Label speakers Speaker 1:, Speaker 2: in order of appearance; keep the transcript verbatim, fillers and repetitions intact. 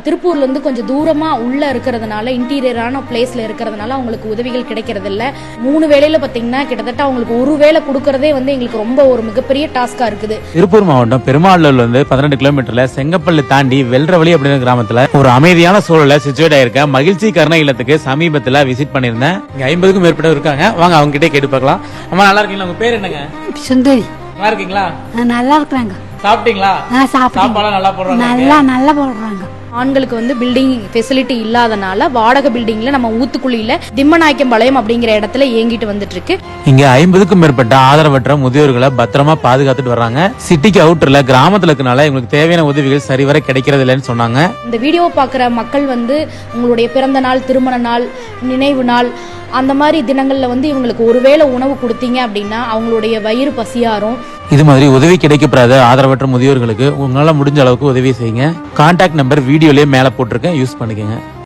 Speaker 1: திருப்பூர்ல இருந்து கொஞ்சம் தூரமா உள்ள இருக்கிறதுனால இன்டீரியரான பிளேஸ்ல இருக்கிறதுனால அவங்களுக்கு உதவிகள் கிடைக்கிறது இல்ல. மூணு வேளையில பாத்தீங்கன்னா கிட்டத்தட்ட அவங்களுக்கு ஒரு வேளை கொடுக்கறதே வந்து எங்களுக்கு ரொம்ப ஒரு மிகப்பெரிய டாஸ்கா இருக்குது.
Speaker 2: திருப்பூர் மாவட்டம் பெருமாளூர்ல இருந்து பதினெட்டு கிலோமீட்டர்ல செங்கப்பள்ளி தாண்டி வெல்றவழி அப்படிங்கிற கிராமத்துல ஒரு அமைதியான சூழல சிச்சுவேட் ஆயிருக்க மகிழ்ச்சி கருணை இல்லத்துக்கு சமீபத்துல விசிட் பண்ணிருந்தேன். இங்க ஐம்பதுக்கும் மேற்பட்ட இருக்காங்க. வாங்க அவங்க கிட்டே கேட்டு பார்க்கலாம். அம்மா நல்லா இருக்கீங்களா? உங்க பேர் என்னங்க?
Speaker 3: சுந்தரி.
Speaker 2: நல்லா இருக்கீங்களா?
Speaker 3: நல்லா இருக்கிறாங்க.
Speaker 2: சாப்பிட்டீங்களா? சாப்பாடு நல்லா போடுறாங்க.
Speaker 3: நல்லா நல்லா போடுறாங்க.
Speaker 1: ஆண்களுக்கு வந்து பில்டிங் ஃபெசிலிட்டி இல்லாதனால வாடகை பில்டிங்ல நம்ம ஊத்துக்குழியில திம்மநாயக்கம்பாளையம் அப்படிங்கிற இடத்துல இயங்கிட்டு வந்துட்டு இருக்கு.
Speaker 2: இங்க ஐம்பதுக்கும் மேற்பட்ட ஆதரவற்ற முதியோர்களை பத்திரமா பாதுகாத்துட்டு வர்றாங்க. சிட்டிக்கு அவுட்டர்ல கிராமத்துல இருக்கனால இவங்களுக்கு தேவையான உதவிகள் சரிவர கிடைக்கிறது இல்லைன்னு சொன்னாங்க.
Speaker 1: இந்த வீடியோ பாக்குற மக்கள் வந்து உங்களுடைய பிறந்த நாள், திருமண நாள், நினைவு நாள் அந்த மாதிரி தினங்கள்ல வந்து இவங்களுக்கு ஒருவேளை உணவு கொடுத்தீங்க அப்படின்னா அவங்களுடைய வயிறு பசியாரும்.
Speaker 2: இது மாதிரி உதவி கிடைக்கப்படாத ஆதரவற்ற முதியோர்களுக்கு உங்களால முடிஞ்ச அளவுக்கு உதவி செய்யுங்க. கான்டாக்ட் நம்பர் வீடியோலயே மேல போட்டிருக்கேன், யூஸ் பண்ணிக்கோங்க.